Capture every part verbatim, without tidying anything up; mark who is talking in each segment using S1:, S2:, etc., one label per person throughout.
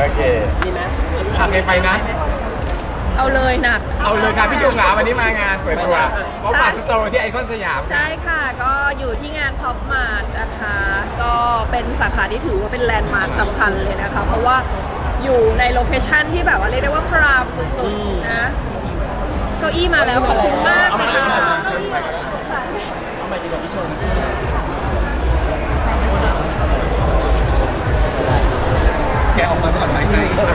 S1: โอเคดีไหมทำไงไปนะ
S2: เอาเลยหนัก
S1: เอาเลยค่ะพี่ชมหาวันนี้มางานเปิดตัวพบปะสโตร์ที่ไอคอนสยาม
S2: ใช่ค่ะก็อยู่ที่งานพ็อปมาร์ทนะคะก็เป็นสาขาที่ถือว่าเป็นแลนด์มาร์คสำคัญเลยนะคะเพราะว่าอยู่ในโลเคชั่นที่แบบว่าเรียกได้ว่าพรามสุดๆนะเก้าอี้มาแล้วขอบคุณมากค่ะเก้าอี้มาแล้วสงสารเอาไปดีกว่าพี่ชม
S1: แกออกมาก่อนไหมไง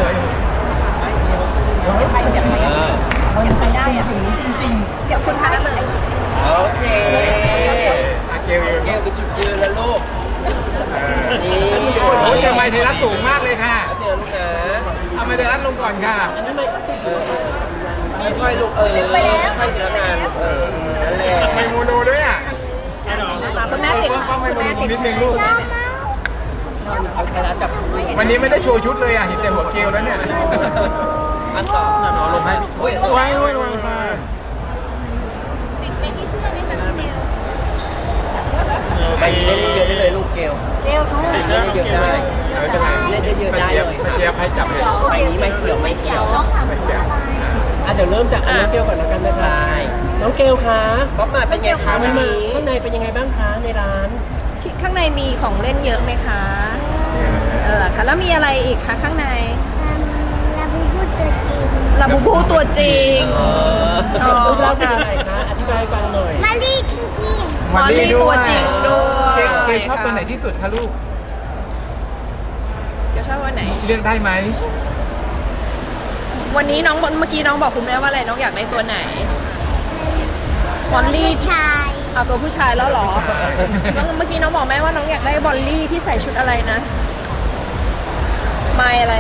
S2: ไปเสียบไปเสียบไปได้อะจริงๆเสียบคุณคะนั่นเลย
S3: โอเค
S1: เกล
S3: เกลเป็นจุดยืนแล้วลูก
S1: นี่โอ้ยทำไมไทยรัฐสูงมากเลยค่ะ
S3: เดี๋ยวลูกนะ
S1: เอาไมไทยรัฐลงก่อนค่ะ
S3: ไม่ค่อยลูกเออไม่ค่อยแล้วงานเออนั่นแหละ
S1: ไม่โมโนด้วยอ่ะ
S2: คุณแม่ติด
S1: ต้องไม่โมโนนิดนึงลูกวันนี้ไม่ได้โชว์ชุดเลยอ่ะเห็นแต่หัวเกลแล้วเนี่ย
S3: อันสองจะนอนลงให้พี่ช่วย
S1: ไว้ไว้ไว้
S2: ติดไปที่เสื้อนี่มันเดียว
S3: ไปเล่นเยอะได้เลยลูกเกล
S2: เกล
S3: เล่นเยอะได้
S1: ไม่เป็นไร
S3: เล่นเยอะได้เลย
S1: ไปเจี๊ยบให้จับเลย
S3: ไปนี้ไม่เขียวไม่เขียว
S1: ไม่เขียว
S4: อ่ะเดี๋ยวเริ่มจากน้องเกลก่อนแล้วกันนะคะน้องเกลคะ
S3: ป๊อปมาเป็นไงคะ
S4: วันนี้ข้างในเป็นยังไงบ้างคะในร้าน
S2: ข้างในมีของเล่นเยอะไหมคะเออค่ะแล้วมีอะไรอีกคะข้างในลาบูบูตัวจริงลาบูบูตัวจริง
S4: รูปร่างเป็นยังไงคะอธิบายฟังหน่อย
S5: มาลีจริง
S1: ๆมาลีตัวจริงด้วยเกลชอบตัวไหนที่สุดคะลูก
S2: เกลชอบตัวไหน
S1: เลือกได้ไหม
S2: วันนี้น้องเมื่อกี้น้องบอกคุณแม่ว่าอะไรน้องอยากได้ตัวไหนบอลลี่
S5: ชาย
S2: เอาตัวผู้ชายแล้วหรอเมื่อกี้น้องบอกแม่ว่าน้องอยากได้บอลลี่ที่ใส่ชุดอะไรนะไมอะไร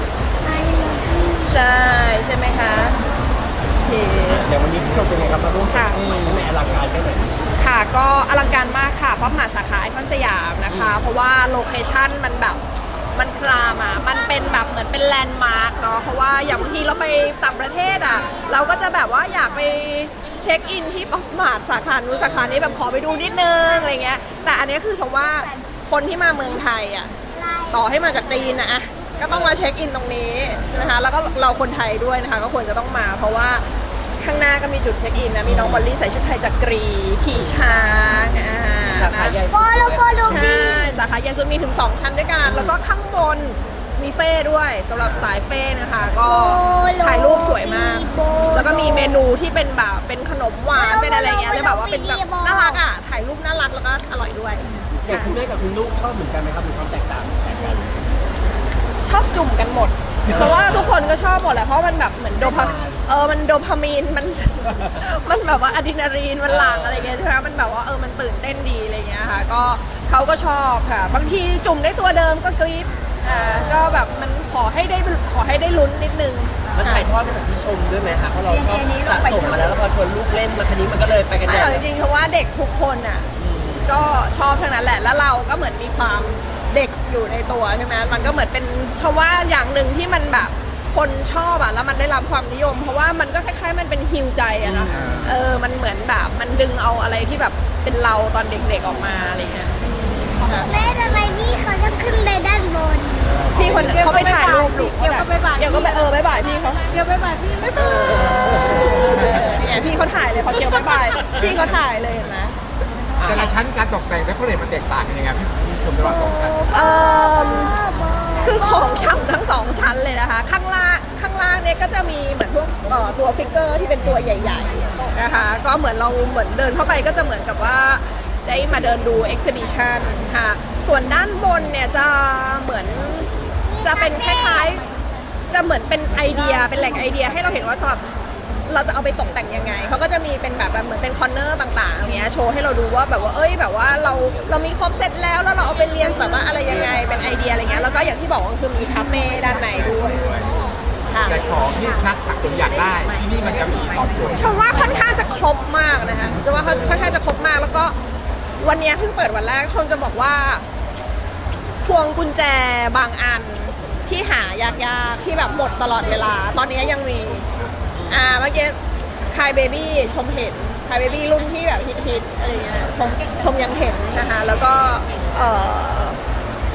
S2: ใช่ใช่ไหมคะโอเค
S4: เดี๋ยววันนี้พี่ชมเป็นไงครับมาร่วมค่ะแม่อลังการแค่ไหน
S2: ค่ะก็อลังการมากค่ะเพราะมาสาขาไอคอนสยามนะคะเพราะว่าโลเคชั่นมันแบบมันพรามอ่ะมันเป็นแบบเหมือนเป็นแลนด์มาร์กเนาะเพราะว่าอย่างบางทีเราไปต่างประเทศอ่ะเราก็จะแบบว่าอยากไปเช็คอินที่ป๊อปมาร์ทสาขานู้นสาขานี้แบบขอไปดูนิดนึงอะไรเงี้ยแต่อันนี้คือชมว่าคนที่มาเมืองไทยอ่ะต่อให้มาจากจีนนะก็ต้องมาเช็คอินตรงนี้นะคะแล้วก็เราคนไทยด้วยนะคะก็ควรจะต้องมาเพราะว่าข้างหน้าก็มีจุดเช็คอินนะมีน้องบอลลี่ใส่ชุดไทยจักรีขี่ช้างอ่า
S3: สาขาใหญ่
S5: โฟโลโฟโล
S2: บีสาขาใหญ่สุดมีถึงสองชั้นด้วยกันแล้วก็ข้างบนมีเฟ่ด้วยสำหรับสายเฟ่นะคะก็ถ่ายรูปสวยมากแล้วก็มีเมนูที่เป็นแบบเป็นขนมหวานเป็นอะไรเงี้ยเลยแบบว่าเป็นแบบน่ารักอ่ะถ่ายรูปน่ารักแล้วก็อร่อยด้วย
S4: อย่างคุณแม่กับคุณลูกชอบเหมือนกันไหมครับมีความแตกต่างแตกกัน
S2: ชอบจุ่มกันหมดเพราะว่าทุกคนก็ชอบหมดแหละเพราะมันแบบเหมือนโดพาเออมันโดพามีนมันมันแบบว่าอะดรีนาลีนมันหลั่งอะไรเงี้ยใช่ไหมมันแบบว่าเออมันตื่นเต้นดีอะไรเงี้ยค่ะก็เขาก็ชอบค่ะบางทีจุ่มได้ตัวเดิมก็กรี๊ดอ่าก็แบบมันขอให้ได้ขอให้ได้ลุ้นนิดนึง
S3: มันถ่ายทอดมาจากพี่ชมด้วยไหมคะเพราะเราชอบสะสมมาแล้วแล้วพอชวนลูกเล่นมาคันนี้มันก็เลยไปกันใหญ่
S2: จริงๆเพราะว่าเด็กทุกคนอ่ะก็ชอบทั้งนั้นแหละแล้วเราก็เหมือนมีความเด็กอยู่ในตัวใช่ไหมมันก็เหมือนเป็นชมว่าอย่างหนึ่งที่มันแบบคนชอบอ่ะแล้วมันได้รับความนิยมเพราะว่ามันก็คล้ายๆมันเป็นฮิวใจอะนะเออมันเหมือนแบบมันดึงเอาอะไรที่แบบเป็นเราตอนเด็กๆออกมาอะไรเงี้ย
S5: แม่ทำไมพี่เขาจะขึ้นไปด้านบน
S2: พี่คนเขาไปถ่ายรูปลูกเดี๋ยวก็ไปบ่ายเดี๋ยวก็ไปเออไปบ่ายพี่เขา
S5: เดี๋ยวไปบ่ายพี่ไม่บ่าย
S2: เนี่ยพี่เขาถ่ายเลยพอเกี่ยวไปบ่ายพี่เขาถ่ายเลยเห็นไหม
S1: แต่ละชั้นการตกแต่งและโคเรทมันแตกต่างกันยังไงพี่ชมระหว่างสองชั้น
S2: เอ่อคือของฉ่ำทั้งสองชั้นเลยนะคะข้างล่างข้างล่างเนี่ยก็จะมีเหมือนพวกตัวฟิกเกอร์ที่เป็นตัวใหญ่ๆนะคะก็เหมือนเราเหมือนเดินเข้าไปก็จะเหมือนกับว่าได้มาเดินดูเอ็กซิบิชันค่ะส่วนด้านบนเนี่ยจะเหมือนจะเป็นคล้ายๆจะเหมือนเป็นไอเดียเป็นแหล่งไอเดียให้เราเห็นว่าสำหรับเราจะเอาไปตกแต่งยังไงเขาก็จะมีเป็นแบบเหมือนเป็นคอร์เนอร์ต่างๆอย่างเงี้ยโชว์ให้เราดูว่าแบบว่าเอ้ยแบบว่าเราเรามีครบเซตแล้วแล้วเราเอาไปเรียงแบบว่าอะไรยังไงเป็นไอเดียอะไรเงี้ยแล้วก็อย่างที่บอกว่าคือมีคาเฟ่ด้านในด้วย
S1: แต่ของที่นักสะสมอยากได้ที่นี่มันจะมีตอบโจทย์
S2: ชมว่าค่อนข้างจะครบมากนะคะชมว่าค่อนข้างจะครบมากแล้วก็วันนี้เพิ่งเปิดวันแรกชมจะบอกว่าพวงกุญแจบางอันที่หายากๆที่แบบหมดตลอดเวลาตอนนี้ยังมีอ่าเมื่อกี้คายเบบี้ชมเห็นคายเบบี้รุ่นที่แบบฮิตๆอะไรเงี้ยชมชมยังเห็นนะคะแล้วก็เอ่อ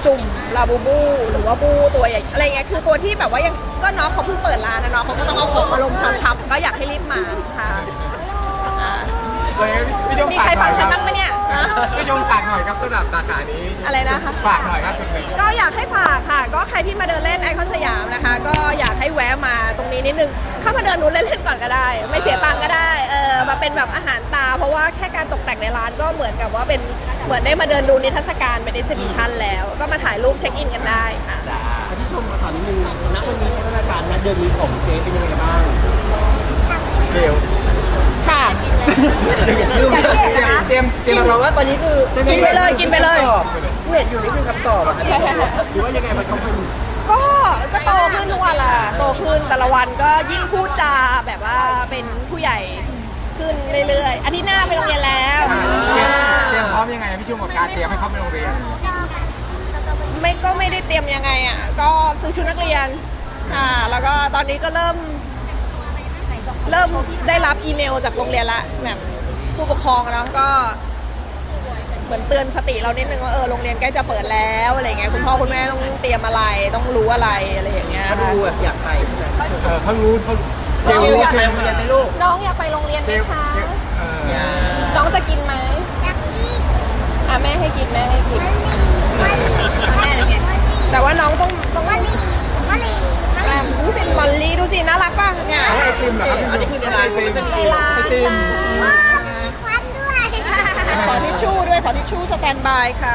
S2: จุ่มลาบูบูหรือว่าบูตัวใหญ่อะไรเงี้ยคือตัวที่แบบว่ายังก็น้องเขาเพิ่งเปิดร้านนะเนาะเขาก็ต้องเอาของมาลงชับๆก็อยากให้รีบมาค่ะอ่า
S1: เลยพี่ยง
S2: มี
S1: ฝาก
S2: ใคร
S1: หน่
S2: ฟั
S1: อง ย
S2: ฉัน
S1: ครั
S2: บ้างไหมเนี่ยฮะ
S1: พี่ยงฝากหน่อยครับสำหรับสาขานี้
S2: อะไรนะคะ
S1: ฝากหน่อยครับคุณเมย์
S2: ก็อยากให้ฝากค่ะ ก็ใครที่มาเดินเล่นไอคอนสยามนะคะ ก็อยากให้แวะมาตรงนี้นิดนึงเข้ามาเดินนู้นเล่นๆก่อนก็ได้ ไม่เสียตังค์ก็ได้เออมาเป็นแบบอาหารตา เพราะว่าแค่การตกแต่งในร้านก็เหมือนกับว่าเป็นเหมือนได้มาเดินดูนิทรรศการเป็น exhibition แล้ว ก็มาถ่ายรูปเช็คอินกันได้ค่ะ
S4: พี่ชมมาถามนิดนึงณวันนี้พัฒนาการณเดือนนี้ของเจ๊เป็นยังไงบ้าง
S1: เดี๋ยว
S2: ค่ะ
S1: เตรียมเตรียมเตรียม
S3: เพราะว่าตอนนี้คือ
S2: กินไปเลยกินไปเลย
S3: ที่เห็นอยู่นี่คือคำตอบอะครับ
S4: หรือว่ายังไงมันเขาเป็น
S2: ก็ก็โตขึ้นทุกวันละโตขึ้นแต่ละวันก็ยิ่งพูดจาแบบว่าเป็นผู้ใหญ่ขึ้นเรื่อยๆอาทิตย์หน้าไปโรงเรียนแล้ว
S1: อ่าเตรียมเตรียมพร้อมยังไงพี่ชุ่มกับการเตรียมให้เขาไปโรงเรียน
S2: ไม่ก็ไม่ได้เตรียมยังไงอ่ะก็ซื้อชุดนักเรียนอ่าแล้วก็ตอนนี้ก็เริ่ม เริ่มได้รับอีเมลจากโรงเรียนละแบบผู้ปกครองแล้วก็เหมือนเตือนสติเรานิดนึงว่าเออโรงเรียนใกล้จะเปิดแล้วอะไรเงี้ยคุณพ่อคุณแม่ต้องเตรียมอะไรต้องรู้อะไรอะไรอย่างเงี้ย
S3: เขาดูแบบอยากไปใช่ไหม
S1: เออเขารู้เขา
S3: เดี๋ยวอยากไปโรงเรียนไหมลูก
S2: น้องอยากไปโรงเรียนไหม
S1: เตรียม
S2: คะ
S1: เออ
S2: น้องจะกินไหม
S5: นักกีฬ
S2: อ่ะแม่ให้กินแม่ให้กิน
S5: ามาลี
S2: แต่ว่าน้องต้องต้อง
S5: มาลีมาลีมาลี
S2: อุ๊ยเป็นมอลลี่ดูสิน่ารักป่ะเนี่ย
S1: เอาไอติมเหรอครับ
S3: อันนี้คือในร้านมันก็จะมี
S2: ในร้าน
S1: ไอติม
S5: ว้าวมีควันด้วย
S2: ขอทิชชู่ด้วยขอทิชชู่สแตนบายค่ะ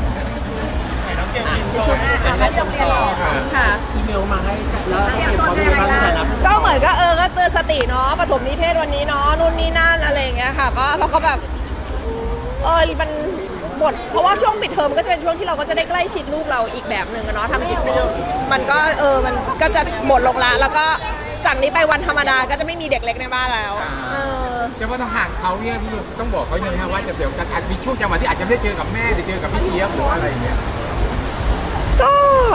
S3: ที่ช่วยเป็นแม่ชมต่อ
S2: ค่ะ
S4: อีเมลมาให้แล้วเตรียมพร้อมยังไงบ้างในฐานะ
S2: ก็เหมือนก็เออก็เตือนสติเนาะปฐมนิเทศวันนี้เนาะนู่นนี่นั่นอะไรอย่างเงี้ยค่ะก็เราก็แบบเออมันหมดเพราะว่าช่วงปิดเทอมก็จะเป็นช่วงที่เราก็จะได้ใกล้ชิดลูกเราอีกแบบหนึ่งอะเนาะทำกิจกรรมมันก็เออมันก็จะหมดลงละแล้วก็จากนี้ไปวันธรรมดาก็จะไม่มีเด็กเล็กในบ้านแล้วเออ
S1: จะว่าต้องห่างเขาเนี่ยพี่ต้องบอกเขายังไงครับว่าจะเดี๋ยวจะอาจมีช่วงจังหวะที่อาจจะไม่ได้เจอกับแม่หรือเจอกับพี่เจี๊ยบหรืออะไรอย่างเงี้ย
S2: ก็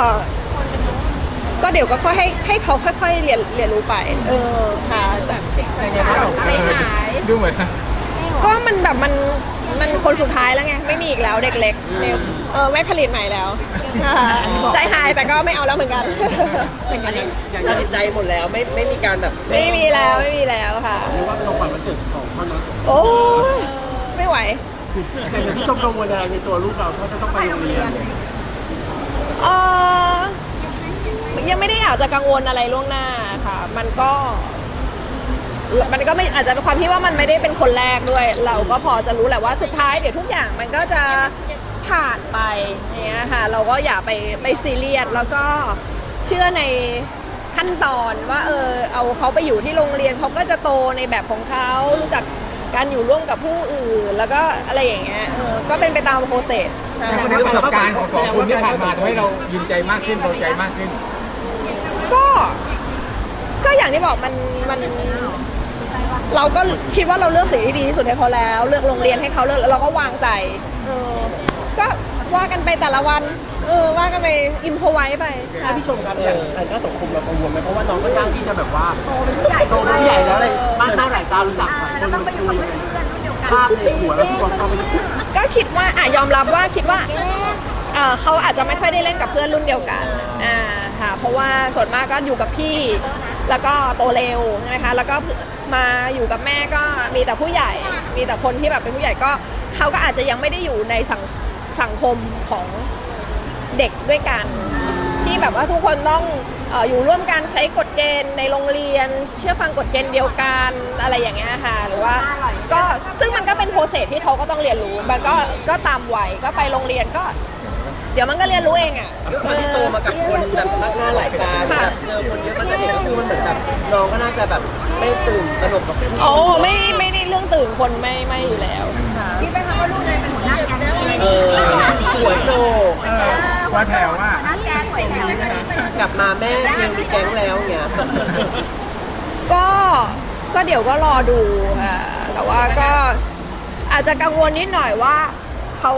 S2: ก็เดี๋ยวก็ค่อยให้ให้เขาค่อย ๆ เรียนเรียนรู้ไป เออค่ะแต่
S1: ดูเหมือน
S2: ก็มันแบบมันมันคนสุดท้ายแล้วไงไม่มีอีกแล้วเด็กเล็กเนี่ยเออไม่ผลิตใหม่แล้วค่ะใจหายแต่ก็ไม่เอาแล้วเหมือนกัน
S3: อันนี้ตัดสินใจหมดแล้วไม่ไม่มีการแบบ
S2: ไม่มีแล้วไม่มีแล้วค่ะ
S4: หรือว่าเป็นของขวัญวันเกิดของพ่อน้อง
S2: โอ้ยไม่ไหว
S4: แต่อย่างพี่ชมกังวลอะไรในตัวลูกเราถ้าจะต้องไปโรงเรียน
S2: เออยังไม่ได้อยากจะกังวลอะไรล่วงหน้าค่ะ มันก็ มันก็ไม่อาจจะเป็นความที่ว่ามันไม่ได้เป็นคนแรกด้วย เราก็พอจะรู้แหละว่าสุดท้ายเดี๋ยวทุกอย่างมันก็จะผ่านไปอย่างเงี้ยค่ะ เราก็อย่าไปไปซีเรียสแล้วก็เชื่อในขั้นตอนว่าเออเอาเขาไปอยู่ที่โรงเรียนเขาก็จะโตในแบบของเขารู้จักการอยู่ร่วมกับผู้อื่น แล้วก็อะไรอย่างเงี้ยเออก็เป็นไปตามโปรเซส
S1: แต่คนนี้ประสบการณ์ของสองคนที่ผ่านมาทำให้เรายินใจมากขึ้นเบาใจมากขึ้น
S2: ก็ก็อย่างที่บอกมันมันเราก็คิดว่าเราเลือกสิ่งที่ดีที่สุดให้เขาแล้ว เลือกโรงเรียนให้เขาเลือกแล้วเราก็วางใจเออก็ว่ากันไปแต่ละวันเออว่ากันไปอิมพอไว้ไป
S4: ถ้าพี่ชมครับอย่างทางด้านสังคมเรากังวลไหมเพราะว่าน้องก็ย่างที่จะแบบว่าโตเป็นผู้ใหญ่โตเป็นผู้ใหญ่แล้วอะไรมากหน้าหลายตารู้จักคนมันคุยภาพในหัวเราที่ว่าเขาไป
S2: ก็คิดว่าอ่ะยอมรับว่าคิดว่าเอ่อเขาอาจจะไม่ค่อยได้เล่นกับเพื่อนรุ่นเดียวกันอ่าค่ะเพราะว่าส่วนมากก็อยู่กับพี่แล้วก็โตเร็วใช่ไหมคะแล้วก็มาอยู่กับแม่ก็มีแต่ผู้ใหญ่ มีแต่คนที่แบบเป็นผู้ใหญ่ก็เขาก็อาจจะยังไม่ได้อยู่ในสังสังคมของเด็กด้วยกัน ที่แบบว่าทุกคนต้องเอ่ออยู่ร่วมกันใช้กฎเกณฑ์ในโรงเรียน เชื่อฟังกฎเกณฑ์เดียวกันอะไรอย่างเงี้ยค่ะหรือว่าก็ซึ่งมันก็เป็นโปรเซสที่เขาก็ต้องเรียนรู้มันก็ก็ตามวัยก็ไปโรงเรียนก็ เดี๋ยวมันก็เรียนรู้เองอ่ะ
S3: ด้วยความที่โตมากับคนแบบมากหน้าหลายตาแบบเจอคนเยอะตั้งแต่เด็กก็คือมันเหมือนแบบน้องก็น่าจะแบบไม่ตื่นตระหนกกับผู้
S2: โอ้ไม่ไม่ได้เรื่องตื่นคนไม่ไม่อยู่แล้วคิดไหมคะว่าลูกเลยเป็นหัวหน้าแก๊ง
S3: เออหัวโจก
S1: เออว่าแถวว่า
S2: แก๊งหัวแถว
S3: กลับมาแม่เพียงมีแก๊งแล้วเงี้ย
S2: ก็ก็เดี๋ยวก็รอดูค่ะแต่ว่าก็อาจจะกังวลนิดหน่อยว่าเขา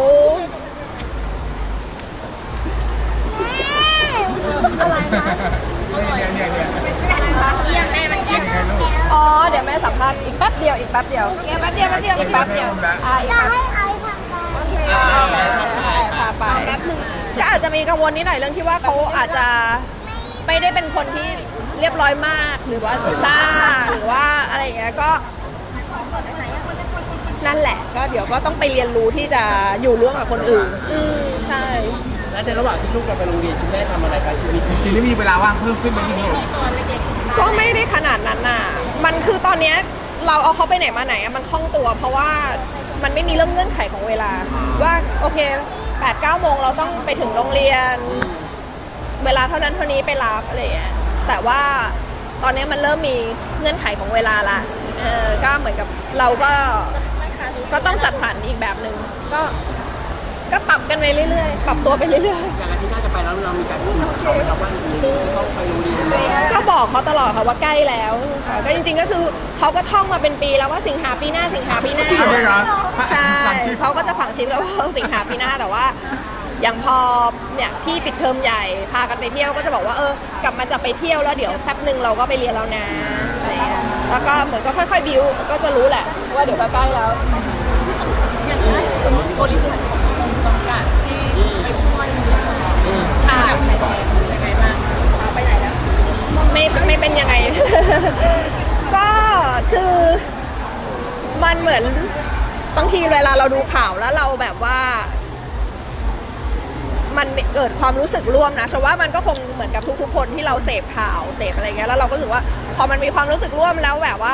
S2: อะไรคะ
S1: เนี่ยเนี่ยเนี่ย
S5: เยี่ยมแม่มันเยี่ยม
S1: ไงลูก
S2: อ๋อเดี๋ยวแม่สัมภาษณ์อีกแป๊บเดียวอีกแป๊บเดียวอีกแป๊บเดียวแป๊บเดียวอีกแป๊บเดียวอ่าอีก
S5: จะ
S2: แป๊บ
S5: ให้ไอ้ทำไป
S2: พาไปแป๊บนึงก็อาจจะมีกังวลนิดหน่อยเรื่องที่ว่าเขาอาจจะไม่ได้เป็นคนที่เรียบร้อยมากหรือว่าซ่าหรือว่าอะไรอย่างเงี้ยก็นั่นแหละก็เดี๋ยวก็ต้องไปเรียนรู้ที่จะอยู่ร่วมกับคนอื่นอืมใช่
S4: และในระหว่างที่ลูกเราไปโรงเรียนคุณแม่ทำอะไรกับชีวิต
S1: จริงๆแล้วมีเวลาว่างเพิ่มขึ้นไหมพี่หนุ่ม
S2: ก็ไม่ได้ขนาดนั้นน่ะมันคือตอนเนี้ยเราเอาเขาไปไหนมาไหนอะมันคล่องตัว เพราะว่ามันไม่มีเรื่องเงื่อนไขของเวลา ว่าโอเคแปดเก้าโมงเราต้องไปถึงโรงเรียน เวลาเท่านั้นเท่านี้ไปรับอะไรอย่างเงี้ยแต่ว่าตอนนี้มันเริ่มมีเงื่อนไขของเวลาละเออก็เหมือนกับเราก็ก็ต้องจัดสรรอีกแบบหนึ่งก็ก็ปรับกันไปเรื่อยๆ ปรับตัวไปเรื่อย
S4: อย่างอาทิตย์หน้าจะไปแล้วเรามีการพูดกับเขาไหมครับว่าต้องไปโรงเรียน
S2: ๆ ก็บอกเขาตลอดค่ะว่าใกล้แล้วค่ะก็จริงๆก็คือเขาก็ท่องมาเป็นปีแล้วว่าสิงหาปีหน้าสิงหาปีหน้า
S1: จริงเหรอ
S2: ใช่
S1: ฟังชื่อ
S2: เขาก็จะฝังชิปแล้วว่าสิงหาปีหน้าแต่ว่าอย่างพอเนี่ยพี่ปิดเทอมใหญ่พากันไปเที่ยวก็จะบอกว่าเออกลับมาจะไปเที่ยวแล้วเดี๋ยวแป๊บหนึ่งเราก็ไปเรียนแล้วนะอะไรอย่างเงี้ยแล้วก็เหมือนก็ค่อยๆบิวก็จะรู้แหละว่าเดี๋ยวก็ใกล้แล้วบริษัทของชมจำกัดที่ไปช่วยค่ะยังไงบ้างไปไหนแล้วไม่ไม่เป็นยังไง ก็คือมันเหมือนบางทีเวลาเราดูข่าวแล้วเราแบบว่า มันเกิดความรู้สึกร่วมนะฉันว่ามันก็คงเหมือนกับทุกๆคนที่เราเสพข่าวเสพอะไรเงี้ยแล้วเราก็รู้สึกว่าพอมันมีความรู้สึกร่วมแล้วแบบว่า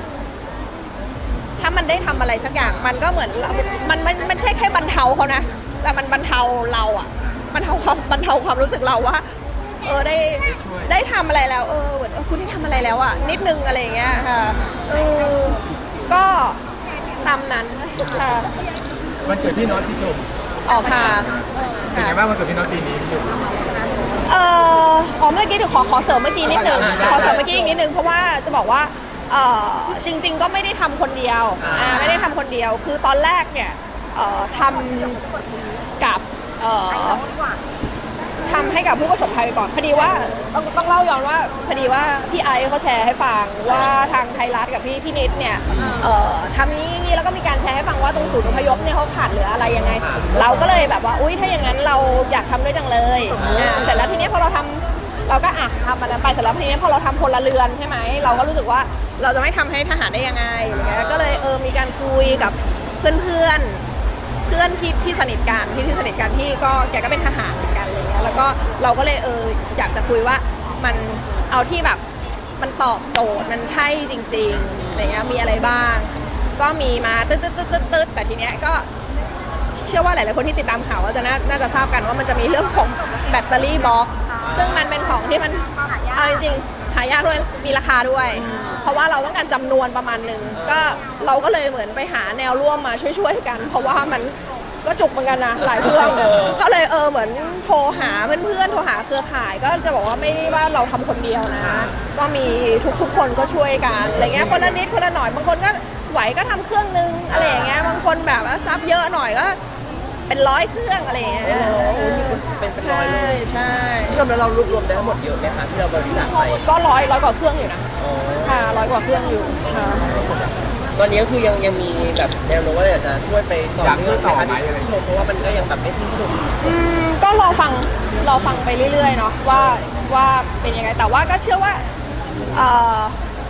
S2: ถ้ามันได้ทำอะไรสักอย่างมันก็เหมือนมันมันมันใช่แค่บรรเทาเขานะแต่มันบรรเทาเราอะบรรเทาความบรรเทาความรู้สึกเราว่าเออได้ได้ทำอะไรแล้วเออเหมือนเออคุณได้ทำอะไรแล้วอะนิดนึงอะไรเงี้ยค่ะเออก็ตามนั้นค่ะ
S1: วันเกิดพี่น็อตพี่ชม
S2: ออกค่ะ
S1: เป็นไงบ้างวันเกิดพี่น็อตปีนี้พี่ชม
S2: เอ่ออ๋อเมื่อกี้เดี๋ยวขอขอเสริมเมื่อกี้นิดนึง
S1: ได้ได้
S2: ขอเสริมเมื่อกี้อีกนิดนึงเพราะว่าจะบอกว่าเอ่อจริง ๆ ก็ไม่ได้ทำคนเดียวอ่าไม่ได้ทำคนเดียวคือตอนแรกเนี่ยเอ่อทำกับเอ่อทำให้กับผู้ประสบภัยไปก่อนพอดีว่าต้องต้องเล่าย้อนว่าพอดีว่าพี่ไอซ์เขาแชร์ให้ฟังว่าทางไทยรัฐกับพี่พี่นิดเนี่ยเอ่อทำนี้นี้แล้วก็มีการแชร์ให้ฟังว่าตรงศูนย์อพยพเนี่ยเขาขาดเหลืออะไรยังไง เราก็เลยแบบว่าอุ้ยถ้าอย่างนั้นเราอยากทำด้วยจังเลยอ่าเสร็จแล้วทีเนี้ยพอเราทำเราก็อ่ะทำมันนั้นไปเสร็จแล้วทีเนี้ยพอเราทำพลเรือนใช่ไหมเราก็รู้สึกว่าเราจะไม่ทำให้ทหารได้ยังไงอะไรเงี้ยก็เลยเออมีการคุยกับเพื่อนเพื่อนๆเพื่อนที่ที่สนิทกันที่ที่สนิทกันที่ก็แกก็เป็นทหารเหมือนกันอะไรเงี้ยแล้วก็เราก็เลยเอออยากจะคุยว่ามันเอาที่แบบมันตอบโจทย์มันใช่จริงๆอะไรเงี้ยมีอะไรบ้าง ก็มีมาตึ๊ดตึ๊ดตึ๊ดตึ๊ดตึ๊ดแต่ทีเนี้ยก็เชื่อว่าหลายๆคนที่ติดตามข่าวก็จะน่าน่าจะทราบกันว่ามันจะมีเรื่องของแบตเตอรี่บล็อกซึ่งมันเป็นของที่มันเอาจริงๆหายากด้วยมีราคาด้วย เพราะว่าเราต้องการจำนวนประมาณหนึ่งก็เราก็เลยเหมือนไปหาแนวร่วมมาช่วยๆกัน เพราะว่ามันก็จุกเหมือนกันนะหลายเครื่องก็เลยเออเหมือนโทรหาเพื่อนๆโทรหาเครือข่ายก็จะบอกว่าไม่ได้ว่าเราทำคนเดียวนะ ก็มีทุกๆคนก็ช่วยกันอะไรเงี้ยคนละนิดคนละหน่อยบางคนก็ไหวก็ทำเครื่องนึงอะไรอย่างเงี้ยบางคนแบบว่าซับเยอะหน่อยก็เป็นร้อยเครื่องอะไรอย่างเงี้ย
S3: เป็นเป็นร้
S2: ใช่
S3: อยเลย
S2: ใช่
S3: ชมแล้วเรารวบรวมได้ทั้งหมดเยอะไหมคะที่เราบริจาคไป
S2: ก็ร้อยร้อยกว่าเครื่องอยู่นะ
S3: อ๋อ
S2: ค่ะร้อยกว่าเครื่องอยู่ค่ะ
S3: ตอนนี้ก็คือยังยังมีแบบแนวโน้มว่าอยากจะช่วยไปต่อ
S1: อยากช่วยต่อไหม
S3: เนื่องชมเพราะว่ามันก็ยังแบบไม่สิ้นสุด
S2: อืมก็รอฟังรอฟังไปเรื่อยๆเนาะว่าว่าเป็นยังไงแต่ว่าก็เชื่อว่าเอ่อ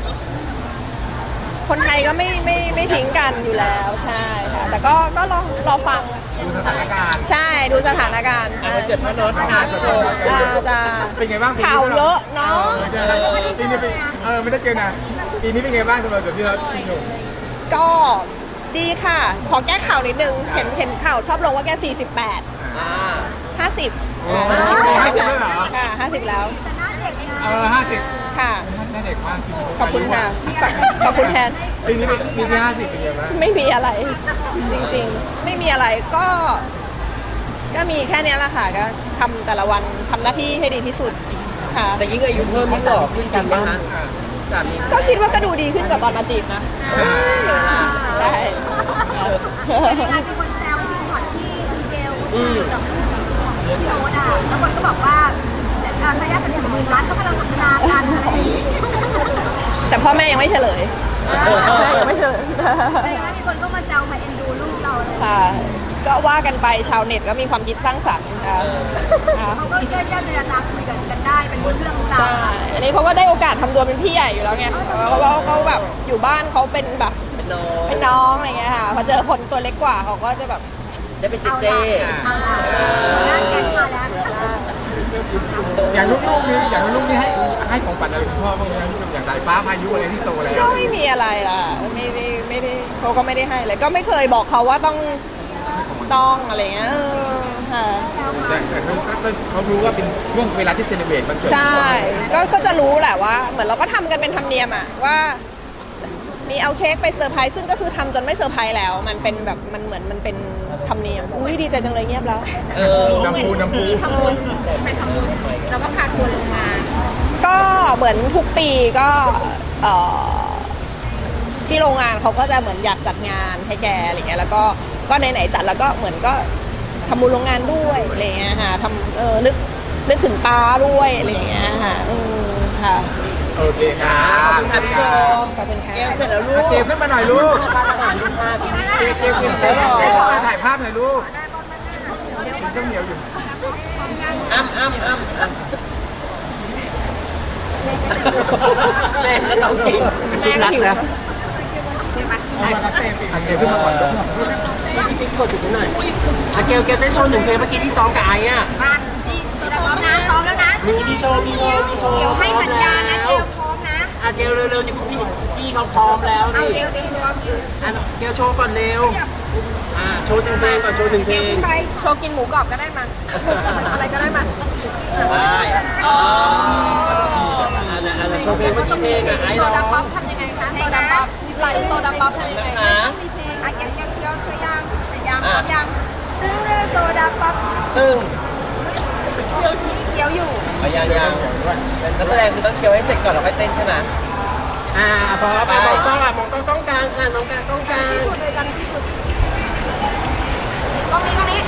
S2: คนไทยก็ไม่ไม่ไม่ทิ้งกันอยู่แล้วใช่ค่ะแต่ก็ก็รอรอฟัง
S1: ดูสถานการณ์
S2: ใช่ดูสถานการณ์
S3: อ่ะ
S2: ใช่
S3: วันเกิดพ่อโน้ตค่ะโชว์
S2: อ่าจะ
S1: เป็นไงบ้างปีนี้
S2: ข่าวเยอะเนาะ
S1: เออปีนี้เป็นเออไม่ได้เจอนะปีนี้เป็นไงบ้างสำหรับพี่น็อตพี่ชม
S2: ก็ดีค่ะ ขอแก้ข่าวนิดนึงเห็นเห็นข่าวชอบลงว่าแกสี่สิบแปด
S3: อ่า
S2: ห้าสิบ
S1: โอ้ห้าสิบแล้วเหรอ
S2: ค่ะห้าสิบแล้ว
S1: เออห้าสิบ
S2: ค่ะ
S1: น่าเด็กมากจริง
S2: ขอบคุณค่ะขอบคุณแทน
S1: ปีนี้เป็นปีที่ห้าสิบเป็นไงบ้าง
S2: ไม่มีอะไร จริงๆ ไม่มีอะไรก็ ก็มีแค่เนี้ยแหละค่ะก็ทำแต่ละวันทำหน้าที่ให้ดีที่สุดค่ะ
S3: แต่ยิ่งอายุเพิ่มยิ่งหล่อขึ้นจริงไหมคะสามี
S2: ก็คิดว่าก็ดูดีขึ้นกว่าตอนมาจีบนะได้
S5: ยังไงมีคนแซวที่ช็อตที่คุณเกลคุยกับพี่โอ๊ตอ่ะแล้วคนก็บอกว่าการพยายามจะถึงหมื่นล้านก็กำลังพัฒนาการอะไรอย่างนี้
S2: แต่พ่อแม่ยังไม่เฉลยแม่ยังไม่เฉลย
S5: ไม่งั้นมีคนก็มาแซวมาเอ็นดูลูกเราเลย
S2: ค่ะก็ว่ากันไปชาวเน็ตก็มีความคิดสร้างสรรค์ค่ะค่ะ
S5: เขาก็ย่อยๆเวลาคุยกันกันได้เป็นเรื่องราว
S2: ใช่อันนี้เขาก็ได้โอกาสทำตัวเป็นพี่ใหญ่อยู่แล้วไงเพราะว่าเขาแบบอยู่บ้านเขาเป็นแบบ
S3: เป็นน้อง
S2: เป็นน้องอะไรเงี้ยค่ะพอเจอคนตัวเล็กกว่าเขาก็จะแบบ
S3: ได้เป็นเจเจ
S5: นั่นแกมาแล้ว
S1: อย่างลูกๆนี่อย่างลูกๆนี่ให้ให้ของขวัญอะไรคุณพ่อบ้างไหมอย่างสายฟ้าพายุอะไรที่โตแล้ว
S2: ก็ไม่มีอะไรล่ะไม่ได้ไม่ได้เขาก็ไม่ได้ให้เลยก็ไม่เคยบอกเขาว่าต้องต้องอะไรเงี้ยเออค่ะ
S1: แต่แต่เขาก็เขารู้ว่าเป็นช่วงเวลาที่เซเลบรตมันเกิด
S2: ใช่ก็ก็จะรู้แหละว่า เหมือนเราก็ทำกันเป็นธรรมเนียมอะว่ามีเอาเค้กไปเซอร์ไพรส์ซึ่งก็คือทำจนไม่เซอร์ไพรส์แล้ว มันเป็นแบบมันเหมือนมันเป็นธรรมเนียมอุ้ยดีใจจังเลยเงียบแล้ว
S3: เออ
S1: น้ำพูน้ำพู
S5: ไปทำบุญแล้วก็พาทัวร์โรงงาน
S2: ก็เหมือนทุกปีก็เอ่อที่โรงงานเขาก็จะเหมือนอยากจัดงานให้แกอะไรเงี้ยแล้วก็ก็ไหนๆจัดแล้วก็เหมือนก็ทำบุญโรงงานด้วยอะไรเงี้ยค่ะทำเออนึกนึกถึงป้าด้วยอะไรเงี้ยค่ะอืมค่ะ
S1: โอเคครับ
S3: ค่ะพี่ชม
S2: ขอบคุณค่ะ
S3: แก้วเสร็จแล้วลูก
S1: เกมขึ้นมาหน่อยลูก
S3: ร้านอาหารลูกค้าพี่
S1: เกมเกมเกมเกมเกมมาถ่ายภาพหน่อยลูกเจ้าเหนียวอยู่
S3: อ้ำอ้ำอ้ำอ้ำแม่ก็ต้องกิน
S2: แม่ก็หิวนะ
S1: เกมขึ้นมาก่อนลูก
S4: พี่กดจุดนี้หน่อยอ่ะเกลเกลเต้นโชว์หนึ่งเพลงเมื่อกี้ที่ซ้อมกับไอ้อะ
S5: มาดีตัวพร้อมนะซ้อมแล้วนะ
S4: มีมีโชว์มีโชว์มีโชว์
S5: เดี๋ยวให้สัญญาณนะเกลพร้อมนะ
S4: อ่ะเกลเร็วๆจะพี่พี่เขาพร้อมแล้ว
S5: เอา
S4: นี่
S5: เกลเตรียมตัว
S4: อ่ะเกลโชว์ก่อนเร็วอ่ะโชว์หนึ่งเพลงก่อนโชว์หนึ่งเพลง
S5: ไป
S2: โชว์กินหมูกรอบก็ได้มาอะไรก็ได้มา
S3: ได้อ๋อ
S4: อ่ะอ่ะโชว์เพลงเมื่อกี้เพลงอ่ะไอ้
S5: โซ
S4: ร้อง
S5: ดาป๊อปทำยังไงคะโซดาป๊อป
S2: ไหลโซดาป๊อปทำยังไง
S3: นะคะ
S5: อ่ะยังยังเชียวเคยยังแต่ยังพร้อมยังตึ้งเรือโซดาป๊อป
S3: ตึ้ง
S5: เขียวอยู่
S3: เอายังยังนักแสดงคือต้องเคี้ยวให้เสร็จก่อนแล้วค่อยเต้นใช่ไหม
S4: อ่ะพอไปมองกล้องอ่ะมองกล้องกล้องกลางอ่ะมองกลางกล้องกลาง
S5: สุดเลยกันที่สุดกล้องนี้กล้องนี้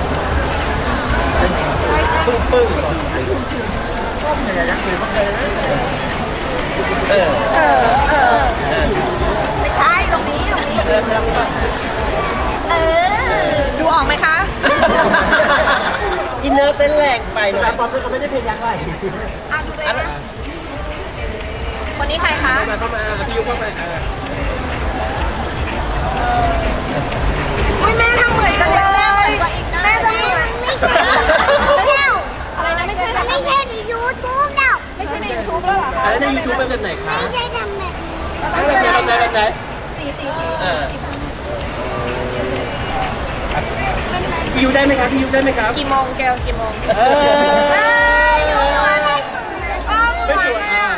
S4: ปึ้งปึ้ง
S3: เออ
S2: เออเออ
S5: ไม่ใช่ตรงนี้ตรงนี้
S3: เริ่มเริ่มก่อน
S5: เออ
S2: ดูออกไหมคะ
S3: อินเนอร์เต้นแรงไปหน่อ
S4: แต่
S3: ย
S4: ป๊อปเขาไม่ได้เพลงยักษ์ไร
S5: อ่ะดูเลย
S3: อัน
S5: นะ
S2: คนนี้ใครคะ
S4: เข้ามาเข้ามาพี่ยุเข้ามาอ่ะ
S5: อุ้ยแม่ทำเหมือนจังเลยแม่ทำเหมือนไม่ใช่แล้ว
S2: อะไรนะไม่ใช่
S5: ไม่ใช่ในยูทูบแล้ว
S2: ไม่ใช่ในยูทูบแล้วเหรอคะ
S4: แล้วในยูทูบเป็นแบบไหนคะ
S5: ไม่ใช่ทำแบบ
S4: แบบไหนแบบไหนแบบไหน
S3: เออ
S4: พี่ยุได้ไหมครับพี่ยุได้ไหมครับ
S2: กี่โมงแกวกี่โมง
S4: เออ
S5: เอ้ยยูทูบก็
S4: ไม่สวยอ่ะ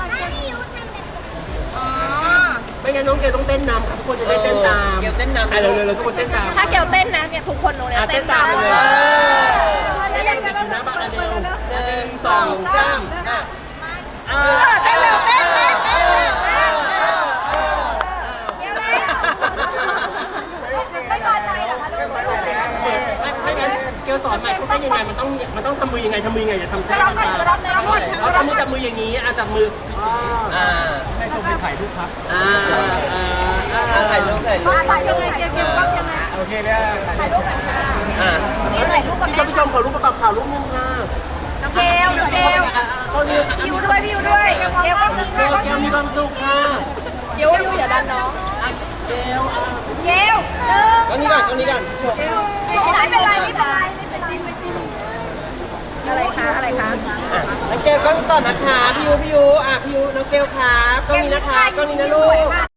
S5: อ๋อ
S4: ไม่งั้นน้องเกลต้องเต้นนำครับทุกคนจะได้เต้นตาม
S3: เกลเต้นนำ
S4: อ่ะเร็วๆทุกคนเต้นตาม
S2: ถ้าแกวเต้นนะเนี่ยทุกคนตรงเนี้ย
S4: อ่ะ
S2: เต้
S4: เต้
S2: น
S4: น
S2: ตา
S4: ตาม
S2: ม
S4: เล
S2: เลย ย
S4: เต้นอยู่นะบ้านเร็ว
S3: หนึ่งสองสามอ่ะ
S4: อ่า
S2: เต้นเร็วเต้นเต้นเต้นเต้น
S5: เดี๋ยวนะไม่พอใจเหรอคะลูกไม่พอใจ
S4: ไม่งั้นเกลสอนใหม่เขาเต้นยังไงมันต้องมันต้องทำมือยังไงทำมือยังไงอย่าทำ
S5: กระรอกก่อนกระรอกกระรอกก่อน
S4: เราทำมือจับมืออย่างนี้อ่ะจับมือ
S3: อ่า
S4: ให้ชมไปถ่ายรูปครับอ่าอ่า
S3: อ่ะถ่ายรูปถ่ายรูป
S5: ถ่ายยังไงเก็บเก็บกล้องยังไง
S1: โอเคเลย
S5: ถ่ายรูปกันค่ะ
S3: อ่ะ
S5: นี่ถ่ายรูปกับ
S4: พี่
S5: แม่
S4: ชมพี่ชมขอรูปประกอบข่าวรูปนึงค่ะ
S5: น้องเกลน้องเกล
S4: ก็นี่
S5: พี่ยูด้วยพี่ยูด้วยเกลก็มี
S4: เก
S5: ค่ะ
S4: ลเกลมีความสุขค่ะ
S2: เดี๋ยวอยู่อย่าดันน้อง
S4: เกลอ่ะ
S5: เกลหนึ่ง
S3: ตรงนี้ก่อนตรงนี้ก่อน
S5: ไม่เป็นไรไม่เป็นไรไม่เป็นไร
S2: อะไรคะอะไรคะ
S3: อ่ะน้องเกลก็ต่อนะคะพี่ยูพี่ยูอ่ะพี่ยูน้องเกลครับก็มีนะคะก็มีนะลูก